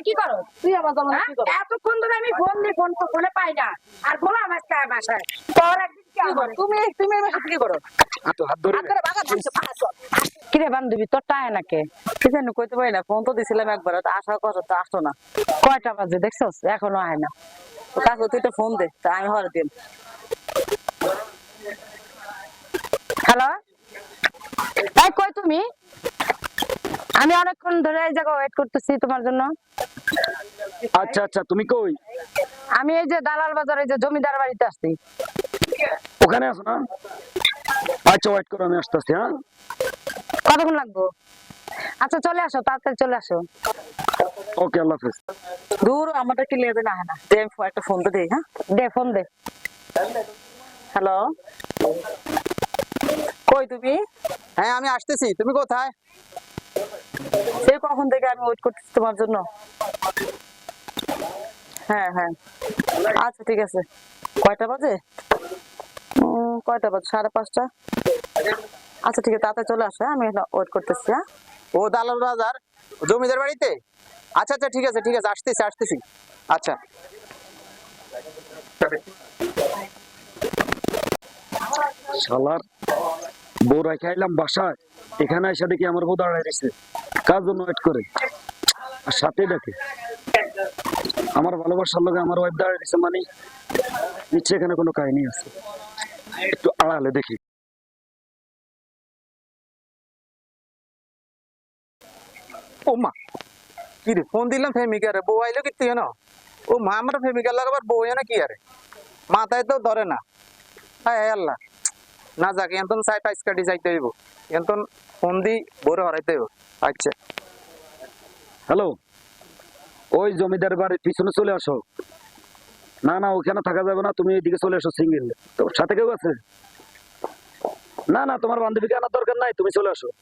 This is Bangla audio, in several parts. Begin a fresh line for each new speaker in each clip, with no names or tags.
কি করো?
তুই আমার জামাই কি করো?
এতক্ষণ ধরে আমি ফোন দিই, ফোন তো ফোনে পাই না। আর বলো আমার কাছে বাসায় তোর একদিন কি হবে?
তুমি তুমি আমার সাথে কি করো?
তো হাত ধরে
হাত ধরে বাগা ধানছে পাঁচ।
কিরে বান্ধবী তোর টায় নাকে কি জানি কইতে পারি না, ফোন তো দিছিলাম একবার, আসার কথা তো আসতো না। কয়টা বাজে দেখছস, এখনো আয় না। তো কাকু তুই তো ফোন দে, তা আমি হরে দিম। হ্যালো, এই কই তুমি? আমি অনেকক্ষণ ধরে এই জায়গায় ওয়েট করতেছি তোমার জন্য।
আচ্ছা আচ্ছা, তুমি কই?
আমি এই যে দালাল বাজারে যে জমিদার বাড়িতে আসছি।
ওখানে আছো না? আচ্ছা ওয়েট করো, আমি আসতেছি। হ্যাঁ,
কতক্ষণ লাগবো? আচ্ছা চলে আসো, তাড়াতাড়ি চলে আসো।
ওকে, আল্লাহ হাফেজ।
দূর আমাদের কি লেগে না হয় না, দে একটা ফোন তো দে। হ্যাঁ দে, ফোন দে। হ্যালো, কই তুমি?
হ্যাঁ আমি আসতেছি, তুমি কোথায়?
সেই কখন থেকে আমি ওয়েট করতেছি তোমার জন্য। হ্যাঁ হ্যাঁ, আচ্ছা ঠিক আছে। কয়টা বাজে? কয়টা বাজে? 5:30। আচ্ছা ঠিক আছে, তাড়াতাড়ি চলে আসো। আমি ওয়েট করতেছি। হ্যাঁ,
ও দালাল বাজার জমিদার বাড়িতে? আচ্ছা আচ্ছা, ঠিক আছে ঠিক আছে, আসতেছি আসতেছি। আচ্ছা
শালার বউ রেখে আইলাম বাসায়, এখানে এসে দেখি আমার বউ দাঁড়ায় রয়েছে। কার জন্য ওয়েট করে? আর সাথে ডাকে আমার ভালোবাসার লোক, আমার ওয়াইফ দাঁড়ায় রয়েছে, মানে নিশ্চয় এখানে কোনো কাহিনী আছে। একটু আড়ালে দেখি।
ও মা, কি রে ফোন দিলাম প্রেমিকা রে, বউ আইলো কি না? ও মা, আমার প্রেমিকা লাগাবার বউ না কি আরে, মাথায় তো ধরে না। হ্যাঁ আল্লাহ, না যাক এতন চাই পাইস কাটি যাইতে হইব, এতন ফোন দি বউরে হরাইতে হইব। আচ্ছা
হ্যালো, ওই জমিদার বাড়ির পিছনে চলে আসো। না না, ওখানে থাকা যাবে না, তুমি এদিকে চলে আসো। সিঙ্গেল তোর সাথে কেউ আছে? না না, তোমার বান্ধবীকে আনার দরকার নাই, তুমি চলে আসো।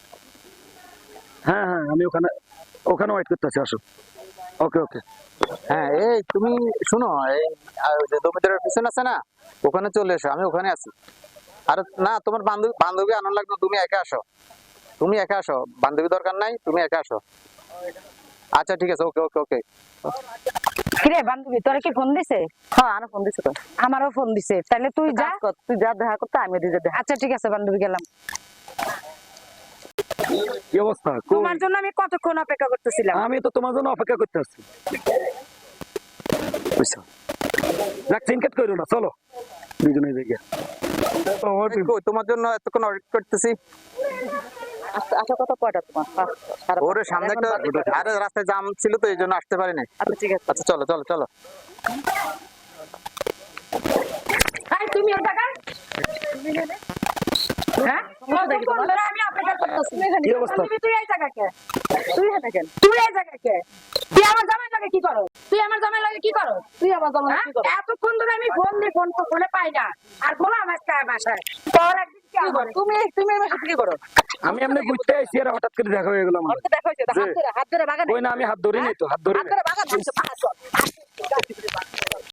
হ্যাঁ হ্যাঁ, আমি ওখানে ওখানে ওয়েট করতেছি, আসো। ওকে ওকে।
হ্যাঁ, এই তুমি শুনো, এই যে জমিদারের পিছনে আছে না, ওখানে চলে এসো, আমি ওখানে আছি। আর না, তোমার বান্ধবী বান্ধবী আনার লাগবে, তুমি একা আসো, তুমি একা আসো, বান্ধবী দরকার নাই, তুমি একা আসো। আচ্ছা ঠিক আছে, ওকে ওকে ওকে।
কিরে বান্ধবী তোরা কি ফোন দিছে? হ্যাঁ আরো ফোন দিছে তো, আমারও ফোন দিছে। তাহলে তুই যা, তুই যা দেখা করতে, আমি দিতে দে। আচ্ছা ঠিক আছে বান্ধবী, গেলাম।
কি অবস্থা?
তোমার জন্য আমি কতক্ষণ অপেক্ষা করতেছিলাম।
আমি তো তোমার জন্য অপেক্ষা করতে আসছি। চিনকেট করো না, চলো দুজনে দেখে।
কই, তোমার জন্য এতক্ষণ ওয়েট করতেছি।
আচ্ছা কত কয়টা তোমার?
ওরে সামনে একটা, আরে রাস্তায় জাম ছিল তো এই জন্য আসতে পারি নাই।
আচ্ছা ঠিক আছে।
আচ্ছা চলো চলো চলো।
এই তুমি এই জায়গায়? হ্যাঁ? কতক্ষণ ধরে আমি অপেক্ষা করতেছি।
কি অবস্থা?
তুই এই জায়গায় কে?
তুই এখানে কেন?
তুই এই জায়গায় কে? তুই আমার জামাই লাগে কি করো? তুই আমার জামাই লাগে কি করো?
তুই আমার জামাই কি করো?
এতক্ষণ ধরে আমি ফোন দিই, ফোন তো ফোনে পাই না। আর বলো আমার কাছে বাসায় তোর একদিন কি হবে?
তুমি তুমি আমার সাথে কি করো?
আমি এমনি ঘুরতে আইছি, আর হঠাৎ করে দেখা হয়ে গেল আমার।
আমাকে দেখা হয়েছে, হাত ধরে বাগা
ওই না, আমি হাত ধরি নাই তো, হাত ধরি
হাত
নাই।
ধরে বাগা ধানছে পাঁচ।